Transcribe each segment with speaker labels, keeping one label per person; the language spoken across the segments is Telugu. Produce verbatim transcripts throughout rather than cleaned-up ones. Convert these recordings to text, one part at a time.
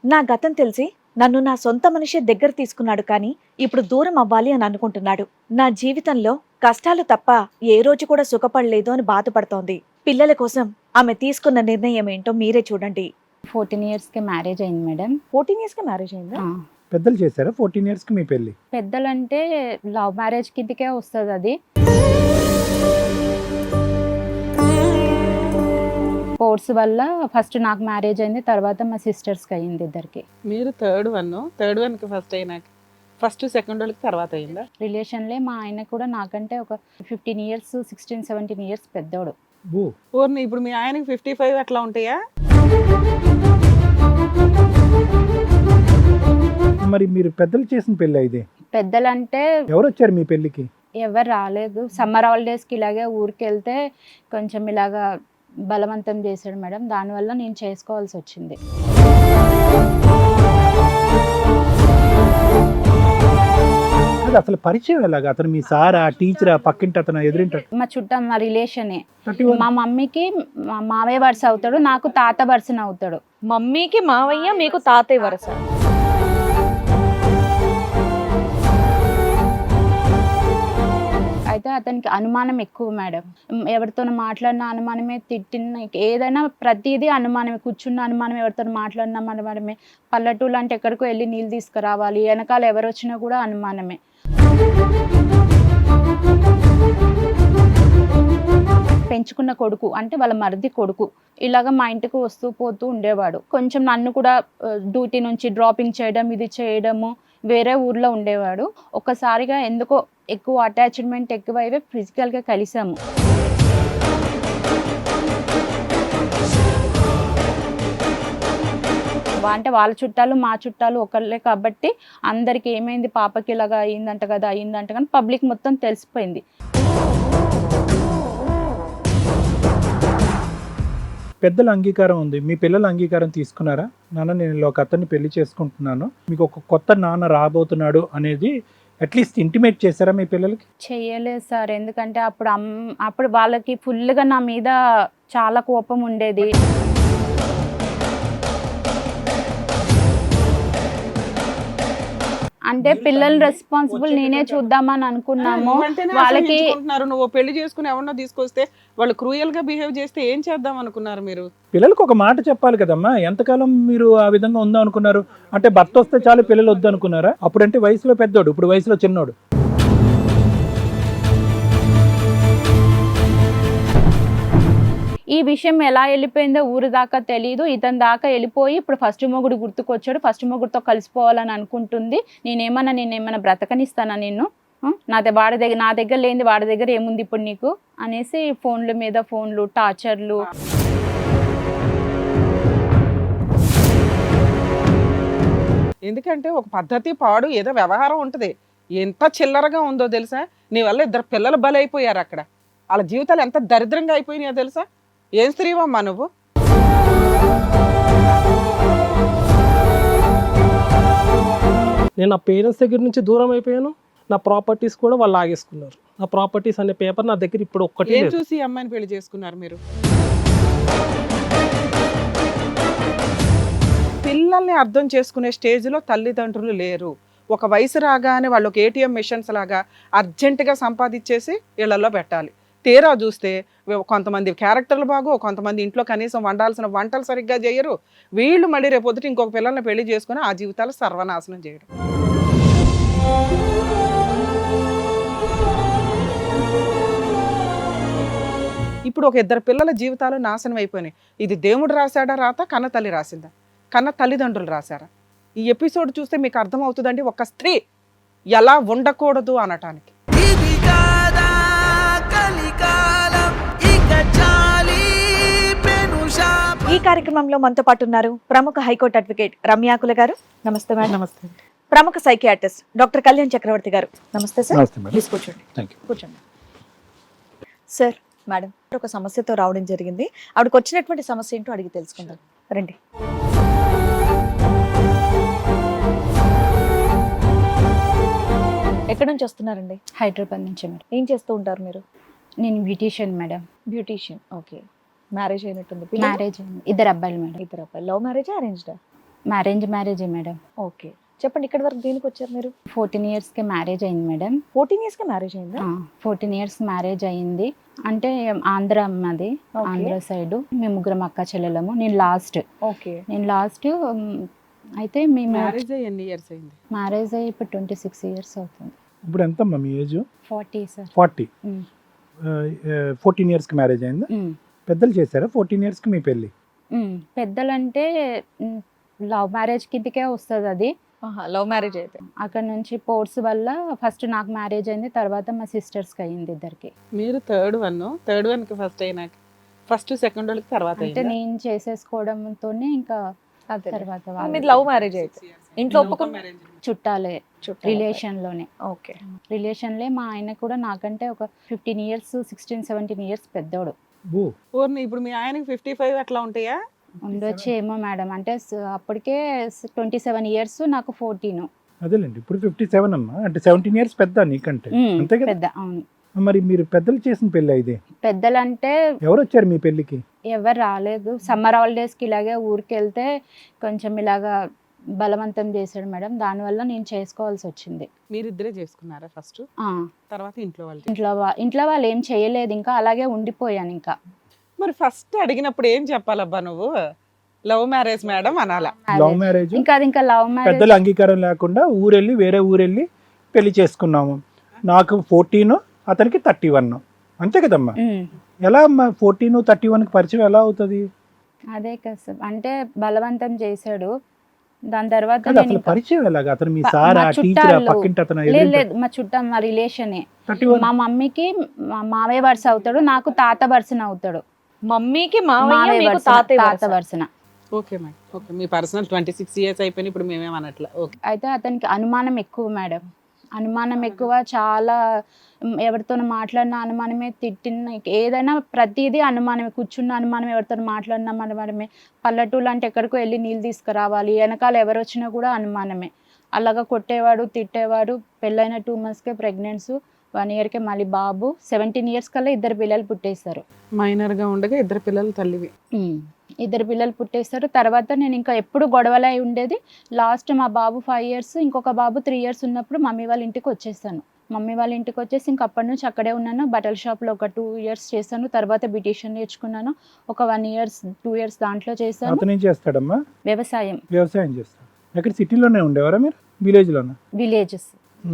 Speaker 1: నా గతం తెలిసి నన్ను నా సొంత మనిషి దగ్గర తీసుకున్నాడు కానీ ఇప్పుడు దూరం అవ్వాలి అని అనుకుంటున్నాడు. నా జీవితంలో కష్టాలు తప్ప ఏ రోజు కూడా సుఖపడలేదు అని బాధపడుతోంది. పిల్లల కోసం ఆమె తీసుకున్న నిర్ణయం ఏంటో మీరే చూడండి.
Speaker 2: ఫోర్టీన్ ఇయర్స్ కి మ్యారేజ్ అయింది మేడం.
Speaker 1: ఫోర్టీన్ ఇయర్స్ కి మ్యారేజ్ అయిందా?
Speaker 2: ఆ,
Speaker 3: పెద్దలు చేశారా ఫోర్టీన్ ఇయర్స్ కి మీ పెళ్లి?
Speaker 2: పెద్దలంటే లవ్ మ్యారేజ్ కిందకే వస్తుంది అది. ఫోర్స్ వల్ల ఫస్ట్ నాకు మ్యారేజ్ అయింది, తర్వాత మా సిస్టర్స్కి అయింది ఇద్దరికి.
Speaker 4: మీరు థర్డ్ వన్ థర్డ్ వన్కి ఫస్ట్ అయినాక ఫస్ట్ సెకండ్ వాళ్ళకి తర్వాత అయిందా?
Speaker 2: రిలేషన్లే మా ఆయన కూడా నాకంటే ఒక fifteen years sixteen seventeen years పెద్దోడు.
Speaker 3: ఓ,
Speaker 4: ఓర్ని ఇప్పుడు మీ ఆయనకి ఫిఫ్టీ ఫైవ్ అట్లా ఉంటాయా?
Speaker 3: మరి మీరు పెద్దలు చేసిన పెళ్లి ఇది?
Speaker 2: పెద్దలంటే
Speaker 3: ఎవరు వచ్చారు మీ పెళ్లికి?
Speaker 2: ఎవరు రాలేదు. సమ్మర్ హాలిడేస్కి ఇలాగే ఊరికి వెళ్తే కొంచెం ఇలాగా బలవంతం చేశాడు మేడం, దానివల్ల నేను చేసుకోవాల్సి వచ్చింది.
Speaker 3: అది అసలు పరిచయం ఎలాగా? అతను మీ సారా, టీచరా, పక్కింటి అతను, ఎదురింట?
Speaker 2: మా చుట్టం మా రిలేషనే. మా మమ్మీకి మా మావయ్య వరుస అవుతాడు, నాకు తాత వరుసన అవుతాడు.
Speaker 1: మమ్మీకి మావయ్య, మీకు తాతయ్య వరస.
Speaker 2: అయితే అతనికి అనుమానం ఎక్కువ మేడం. ఎవరితో మాట్లాడిన అనుమానమే, తిట్టిన ఏదైనా ప్రతిదీ అనుమానమే. కూర్చున్న అనుమానం, ఎవరితో మాట్లాడిన అనుమానమే. పల్లెటూళ్ళు అంటే ఎక్కడికో వెళ్ళి నీళ్ళు తీసుకురావాలి, వెనకాల ఎవరు వచ్చినా కూడా అనుమానమే. పెంచుకున్న కొడుకు అంటే వాళ్ళ మరిది కొడుకు ఇలాగ మా ఇంటికి వస్తూ పోతూ ఉండేవాడు. కొంచెం నన్ను కూడా డ్యూటీ నుంచి డ్రాపింగ్ చేయడం, ఇది చేయడము, వేరే ఊర్లో ఉండేవాడు. ఒక్కసారిగా ఎందుకో ఎక్కువ అటాచ్మెంట్ ఎక్కువైతే ఫిజికల్గా కలిసాము. అంటే వాళ్ళ చుట్టాలు మా చుట్టాలు ఒకళ్ళే కాబట్టి అందరికి ఏమైంది, పాపకి ఇలాగా అయిందంట కదా అయిందంట కానీ పబ్లిక్ మొత్తం తెలిసిపోయింది.
Speaker 3: పెద్దల అంగీకారం ఉంది, మీ పిల్లల అంగీకారం తీసుకున్నారా? నాన్న, నేను ఇలా ఒక అతన్ని పెళ్లి చేసుకుంటున్నాను, మీకు ఒక కొత్త నాన్న రాబోతున్నాడు అనేది అట్లీస్ట్ ఇంటిమేట్ చేశారా మీ పిల్లలకి?
Speaker 2: చెయ్యలేదు సార్, ఎందుకంటే అప్పుడు అమ్ అప్పుడు వాళ్ళకి ఫుల్గా నా మీద చాలా కోపం ఉండేది. అంటే పిల్లల రెస్పాన్సిబుల్ నేనే చూద్దామని అనుకున్నాము. వాళ్ళకి
Speaker 4: నువ్వు పెళ్లి చేసుకుని ఎవరినో తీసుకొస్తే వాళ్ళు క్రూయల్ గా బిహేవ్ చేస్తే ఏం చేద్దాం అనుకున్నారు మీరు?
Speaker 3: పిల్లలకు ఒక మాట చెప్పాలి కదమ్మా. ఎంతకాలం మీరు ఆ విధంగా ఉందాం అనుకున్నారు? అంటే భర్త వస్తే చాలు పిల్లలు వద్దు అనుకున్నారా? అప్పుడంటే వయసులో పెద్దోడు, ఇప్పుడు వయసులో చిన్నోడు.
Speaker 2: ఈ విషయం ఎలా వెళ్ళిపోయిందో ఊరి దాకా తెలియదు. ఇతని దాకా వెళ్ళిపోయి ఇప్పుడు ఫస్ట్ మొగుడు గుర్తుకొచ్చాడు, ఫస్ట్ మొగుడుతో కలిసిపోవాలని అనుకుంటుంది. నేనేమన్నా నేనేమన్నా బ్రతకనిస్తానా నిన్ను? నా దగ్గర వాడి దగ్గర నా దగ్గర లేనిది వాడి దగ్గర ఏముంది ఇప్పుడు నీకు అనేసి ఫోన్ల మీద ఫోన్లు, టార్చర్లు.
Speaker 4: ఎందుకంటే ఒక పద్ధతి పాడు ఏదో వ్యవహారం ఉంటుంది. ఎంత చిల్లరగా ఉందో తెలుసా? నీ వల్ల ఇద్దరు పిల్లలు బలైపోయారు అక్కడ. వాళ్ళ జీవితాలు ఎంత దరిద్రంగా అయిపోయినాయో తెలుసా? ఏం స్త్రీవమ్మా నువ్వు?
Speaker 5: నేను నా పేరెంట్స్ దగ్గర నుంచి దూరం అయిపోయాను. నా ప్రాపర్టీస్ కూడా వాళ్ళు లాగేసుకున్నారు. నా ప్రాపర్టీస్ అనే పేపర్ నా దగ్గర ఇప్పుడు ఒక్కటి
Speaker 4: ఏం చూసి అమ్మాయిని పెళ్లి చేసుకున్నారు మీరు? పిల్లల్ని అర్థం చేసుకునే స్టేజ్లో తల్లిదండ్రులు లేరు. ఒక వయసు రాగానే వాళ్ళు ఒక ఏటీఎం మిషన్స్ లాగా అర్జెంటుగా సంపాదించేసి ఇళ్లలో పెట్టాలి. తీరా చూస్తే కొంతమంది క్యారెక్టర్లు బాగో, కొంతమంది ఇంట్లో కనీసం వండాల్సిన వంటలు సరిగ్గా చేయరు. వీళ్ళు మళ్ళీ రేపొద్దుట ఇంకొక పిల్లల్ని పెళ్లి చేసుకుని ఆ జీవితాలు సర్వనాశనం చేయడం. ఇప్పుడు ఒక ఇద్దరు పిల్లల జీవితాలు నాశనం అయిపోయినాయి. ఇది దేవుడు రాశాడా రాత, కన్న తల్లి రాసిందా? కన్న తల్లిదండ్రులు రాశారా? ఈ ఎపిసోడ్ చూస్తే మీకు అర్థమవుతుందండి ఒక స్త్రీ ఎలా ఉండకూడదు అనటానికి.
Speaker 1: ఈ కార్యక్రమంలో మనతో పాటు ఉన్నారు ప్రముఖ హైకోర్టు అడ్వకేట్ రమ్యాకుల గారు. నమస్తే మేడం.
Speaker 3: నమస్తే.
Speaker 1: ప్రముఖ సైకియాట్రిస్ట్ డాక్టర్ కళ్యాణ్ చక్రవర్తి గారు. నమస్తే సార్.
Speaker 3: నమస్తే మేడం.
Speaker 1: ప్లీజ్ కూర్చోండి.
Speaker 3: Thank you.
Speaker 1: కూర్చోండి సార్. మేడం ఒక సమస్యతో రావడం జరిగింది. ఆవిడకి వచ్చినటువంటి సమస్య ఏంటో అడిగి తెలుసుకుందాం. రండి. ఎక్కడి నుంచి వస్తున్నారండి?
Speaker 2: హైదరాబాద్ నుంచి మేడం.
Speaker 1: ఏం చేస్తూ ఉంటారు మీరు?
Speaker 2: నేను beautician madam.
Speaker 1: Beautician. Okay. Marriage అయినట్టుంది?
Speaker 2: మ్యారేజ్ ఇద్దరు అబ్బాయిలు మేడం.
Speaker 1: ఇద్దరు అబ్బాయిలు. Love marriage, అరేంజ్డా?
Speaker 2: మ్యారేంజ్ మ్యారేజే మేడం.
Speaker 1: ఓకే, చెప్పండి ఇక్కడి వరకు దేనికి వచ్చారు మీరు?
Speaker 2: ఫోర్టీన్ ఇయర్స్కి మ్యారేజ్ అయింది మేడం.
Speaker 1: ఫోర్టీన్ ఇయర్స్ కి మ్యారేజ్ అయిందా?
Speaker 2: ఫోర్టీన్ ఇయర్స్ మ్యారేజ్ అయింది. అంటే ఆంధ్ర మాది,
Speaker 1: Okay.
Speaker 2: ఆంధ్ర సైడ్. మేము ముగ్గురం అక్క చెల్లెలము. నేను లాస్ట్
Speaker 1: ఓకే.
Speaker 2: నేను లాస్ట్ అయితే మేము
Speaker 4: మ్యారేజ్ ఎన్ని ఇయర్స్ అయింది?
Speaker 2: మ్యారేజ్ అయ్యి ఇప్పుడు ట్వంటీ సిక్స్ ఇయర్స్ అవుతుంది.
Speaker 3: ఇప్పుడు ఎంతమ్మా మీ age?
Speaker 2: Forty sir.
Speaker 3: Forty. Fourteen ఇయర్స్కి మ్యారేజ్ అయిందా? పెద్దలు చేశారా ఫోర్టీన్ ఇయర్స్కి మీ పెళ్ళి?
Speaker 2: పెద్దలంటే లవ్ మ్యారేజ్ కిందకే వస్తుంది అది.
Speaker 1: లవ్ మ్యారేజ్ అయితే
Speaker 2: అక్కడ నుంచి పోర్ట్స్ వల్ల ఫస్ట్ నాకు మ్యారేజ్ అయింది, తర్వాత మా సిస్టర్స్కి అయింది ఇద్దరికి.
Speaker 4: మీరు థర్డ్ వన్, థర్డ్ వన్ కి ఫస్ట్ అయినాక ఫస్ట్ సెకండ్ వాళ్ళకి తర్వాత
Speaker 2: అంటే
Speaker 4: అయిందా?
Speaker 2: నేను చేసేసుకోవడంతోనే ఇంకా
Speaker 1: అదే.
Speaker 2: తర్వాత
Speaker 1: మీది
Speaker 2: వాళ్ళు
Speaker 1: లవ్ మ్యారేజ్ అయితే ఇంట్లో ఒప్పుకున్న
Speaker 2: చుట్టాలే, రిలేషన్ లోనే.
Speaker 1: ఓకే.
Speaker 2: రిలేషన్లే. మా ఆయన కూడా నాకంటే ఒక fifteen years sixteen seventeen years పెద్దోడు.
Speaker 3: ఓ,
Speaker 4: ఊరిని ఇప్పుడు మీ ఆయనకి ఫిఫ్టీ ఫైవ్ అట్లా ఉంటాయా?
Speaker 2: ఉండొచ్చు ఏమో మేడం. అంటే స- అప్పటికే ట్వంటీ సెవెన్ ఇయర్స్, నాకు ఫోర్టీన్.
Speaker 3: అదేలేండి. ఇప్పుడు ఫిఫ్టీ సెవెన్ అమ్మా, అంటే సెవెంటీన్ ఇయర్స్ పెద్ద నీకంటే, అంతే కదా?
Speaker 2: పెద్ద. అవును.
Speaker 3: మరి మీరు పెద్దలు చేసిన పెళ్ళి ఇది?
Speaker 2: పెద్దలంటే
Speaker 3: ఎవరు వచ్చారు మీ పెళ్ళికి?
Speaker 2: ఎవరు రాలేదు. సమ్మర్ హాలిడేస్కి ఇలాగే ఊరికి వెళ్తే కొంచెం ఇలాగా బలవంతం చేశాడు మేడం. దానివల్ల నేను చేసుకోవాల్సి వచ్చింది.
Speaker 4: మీరిద్దరే చేసుకున్నారా ఫస్ట్?
Speaker 2: ఆ,
Speaker 4: తర్వాత ఇంట్లో వాళ్ళు?
Speaker 2: ఇంట్లో వా- ఇంట్లో వాళ్ళు ఏం చేయలేదు, ఇంకా అలాగే ఉండిపోయాను. ఇంకా
Speaker 4: మరి ఫస్ట్ అడిగినప్పుడు ఏం చెప్పాలబ్బా నువ్వు? లవ్ మ్యారేజ్ మేడం అనాలా?
Speaker 3: Love marriage.
Speaker 2: ఇంకా అది ఇంకా లవ్ మ్యారేజ్.
Speaker 3: పెద్దల అంగీకారం లేకుండా ఊరెళ్ళి వేరే ఊరెళ్ళి పెళ్లి చేసుకున్నాము. నాకు ఫోర్టీన్, అతనికి థర్టీ వన్, అంతే కదమ్మా? ఎలా అమ్మా ఫోర్టీన్ థర్టీ వన్కి పరిచయం ఎలా అవుతుంది?
Speaker 2: అదే కదా సార్, అంటే బలవంతం చేశాడు. దాని తర్వాత
Speaker 3: కాదు,
Speaker 2: నేను
Speaker 3: అసలు
Speaker 2: ఇంకా-
Speaker 3: పరిచయం ఎలాగా? అతను మీ
Speaker 2: ప-
Speaker 3: సారా,
Speaker 2: మా
Speaker 3: టీచరా,
Speaker 2: చుట్టాలు.
Speaker 3: పక్కింటి అతను?
Speaker 2: లేదు లేదు, మా చుట్టం, మా రిలేషనే.
Speaker 3: Thirty one.
Speaker 2: మా మమ్మీకి మా మావయ్య వరుస అవుతాడు, నాకు తాత వరుసన అవుతాడు.
Speaker 1: మమ్మీకి మావయ్య,
Speaker 2: మావయ్య
Speaker 1: మీకు
Speaker 2: వరుసన,
Speaker 1: తాతయ్య
Speaker 2: తాత
Speaker 1: వరుస.
Speaker 2: వరుసన.
Speaker 4: Okay madam, okay. మీ పర్సనల్ ట్వంటీ సిక్స్ ఇయర్స్ అయిపోయినాయి, ఇప్పుడు మేమేమనట్లా. ఓకే.
Speaker 2: అయితే అతనికి అనుమానం ఎక్కువ మేడం. అనుమానం ఎక్కువ, చాలా. మ్, ఎవరితో మాట్లాడిన అనుమానమే, తిట్టిన ఏదైనా ప్రతిదీ అనుమానమే. కూర్చున్న అనుమానం, ఎవరితో మాట్లాడినా అనుమానమే. పల్లెటూళ్ళు అంటే ఎక్కడికో వెళ్ళి నీళ్ళు తీసుకురావాలి, వెనకాల ఎవరు వచ్చినా కూడా అనుమానమే. అలాగా కొట్టేవాడు, తిట్టేవాడు. పెళ్ళైన టూ మంత్స్కే ప్రెగ్నెన్సీ, వన్ ఇయర్కే మళ్ళీ బాబు. సెవెంటీన్ ఇయర్స్ కల్లా ఇద్దరు పిల్లలు పుట్టేస్తారు.
Speaker 4: మైనర్ గా ఉండగా ఇద్దరు పిల్లలు తల్లివి.
Speaker 2: ఉమ్, ఇద్దరు పిల్లలు పుట్టేస్తారు. తర్వాత నేను ఇంకా ఎప్పుడు గొడవలై ఉండేది. లాస్ట్ మా బాబు ఫైవ్ ఇయర్స్, ఇంకొక బాబు త్రీ ఇయర్స్ ఉన్నప్పుడు మమ్మీ వాళ్ళ ఇంటికి వచ్చేసాను. మమ్మీ వాళ్ళ ఇంటికి వచ్చేసి ఇంక అప్పటి నుంచి అక్కడే ఉన్నాను. బట్టల షాప్లో ఒక టూ ఇయర్స్ చేశాను. తర్వాత బ్యూటీషియన్ నేర్చుకున్నాను. ఒక వన్ ఇయర్స్ టూ ఇయర్స్ దాంట్లో చేశాను.
Speaker 3: అతను ఏం చేస్తాడమ్మా?
Speaker 2: వ్యవసాయం.
Speaker 3: వ్యవసాయం చేస్తాడు. ఎక్కడ సిటీలోనే ఉండేవారా మీరు? విలేజ్లోనా?
Speaker 2: విలేజెస్.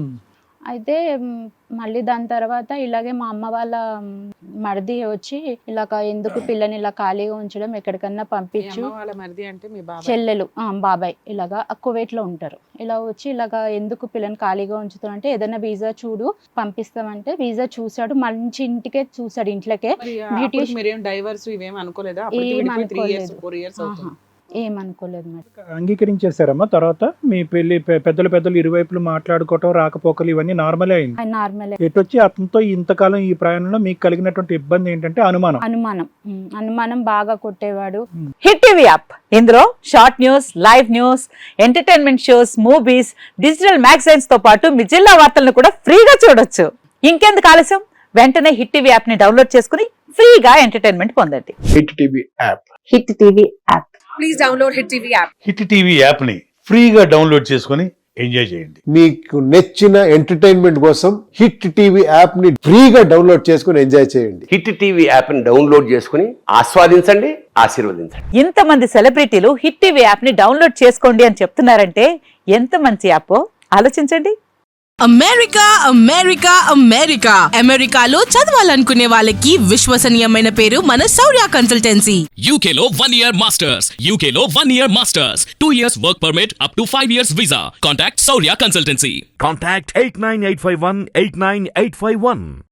Speaker 2: అయితే మ్, మళ్ళీ దాని తర్వాత ఇలాగే మా అమ్మ వాళ్ళ మ్, మరిది వచ్చి ఇలాగ ఎందుకు పిల్లని ఇలా ఖాళీగా ఉంచడం, ఎక్కడికన్నా
Speaker 4: మీ
Speaker 2: పంపించు.
Speaker 4: అమ్మ వాళ్ళ మరిది అంటే మీ బాబాయ్?
Speaker 2: చెల్లెలు, ఆ, బాబాయ్ ఇలాగా కువైట్లో ఉంటారు. ఇలా వచ్చి ఇలాగా ఎందుకు పిల్లని ఖాళీగా ఉంచుతాం అంటే, ఏదైనా వీసా చూడు పంపిస్తామంటే వీసా చూసాడు. మంచి ఇంటికే చూసాడు, ఇంట్లోకే.
Speaker 4: మరి
Speaker 2: బ్యూటీ
Speaker 4: అప్పుడు మీరేం డైవర్స్ ఇవేం అనుకోలేదా? అప్పటికి
Speaker 2: ఏం
Speaker 4: విడిపోయి త్రీ ఇయర్స్
Speaker 2: అనుకోలేదు.
Speaker 4: ఫోర్ ఇయర్స్ అవుతుంది.
Speaker 2: ఏమనుకోలేదు మేడం.
Speaker 3: అంగీకరించేశారమ్మా తర్వాత మీ పెళ్లి? పె- పెద్దలు పెద్దలు ఇరువైపులు మాట్లాడుకోవటం, రాకపోకలు ఇవన్నీ నార్మలే అయింది.
Speaker 2: అది నార్మల్.
Speaker 3: ఎటొచ్చి అతనితో ఇంతకాలం ఈ ప్రయాణంలో మీకు కలిగినటువంటి ఇబ్బంది ఏంటంటే అనుమానం.
Speaker 2: అనుమానం. ఉమ్, అనుమానం బాగా కొట్టేవాడు.
Speaker 6: హిట్ టీవీ యాప్, ఇందులో short news, live news, entertainment shows, movies, digital magazines తో పాటు మీ జిల్లా వార్తలను కూడా ఫ్రీగా చూడొచ్చు. ఇంకెందుకు ఆలస్యం, వెంటనే హిట్ టీవీ యాప్ ని డౌన్లోడ్ చేసుకుని ఫ్రీగా ఎంటర్టైన్మెంట్ పొందండి.
Speaker 7: Hit TV app.
Speaker 6: Hit TV app.
Speaker 8: Hit TV యాప్ని ఫ్రీగా డౌన్లోడ్ చేసుకొని ఎంజాయ్ చేయండి.
Speaker 7: మీకు నచ్చిన ఎంటర్టైన్మెంట్ కోసం హిట్ టీవీ యాప్ ని ఫ్రీగా డౌన్లోడ్ చేసుకుని ఎంజాయ్ చేయండి.
Speaker 9: హిట్ టీవీ యాప్ని డౌన్లోడ్ చేసుకుని ఆస్వాదించండి, ఆశీర్వదించండి.
Speaker 6: ఇంతమంది సెలబ్రిటీలు హిట్ టీవీ యాప్ ని డౌన్లోడ్ చేసుకోండి అని చెప్తున్నారంటే ఎంత మంచి యాప్ ఆలోచించండి.
Speaker 10: అమెరికా అమెరికా అమెరికా అమెరికాలో చదవాలనుకునే వాళ్ళకి విశ్వసనీయమైన పేరు మన శౌర్య కన్సల్టెన్సీ.
Speaker 11: U K లో one year masters, U K లో one year masters, two years work permit up to five years visa. Contact Saurya Consultancy.
Speaker 12: Contact eight nine eight five one eight nine eight five one.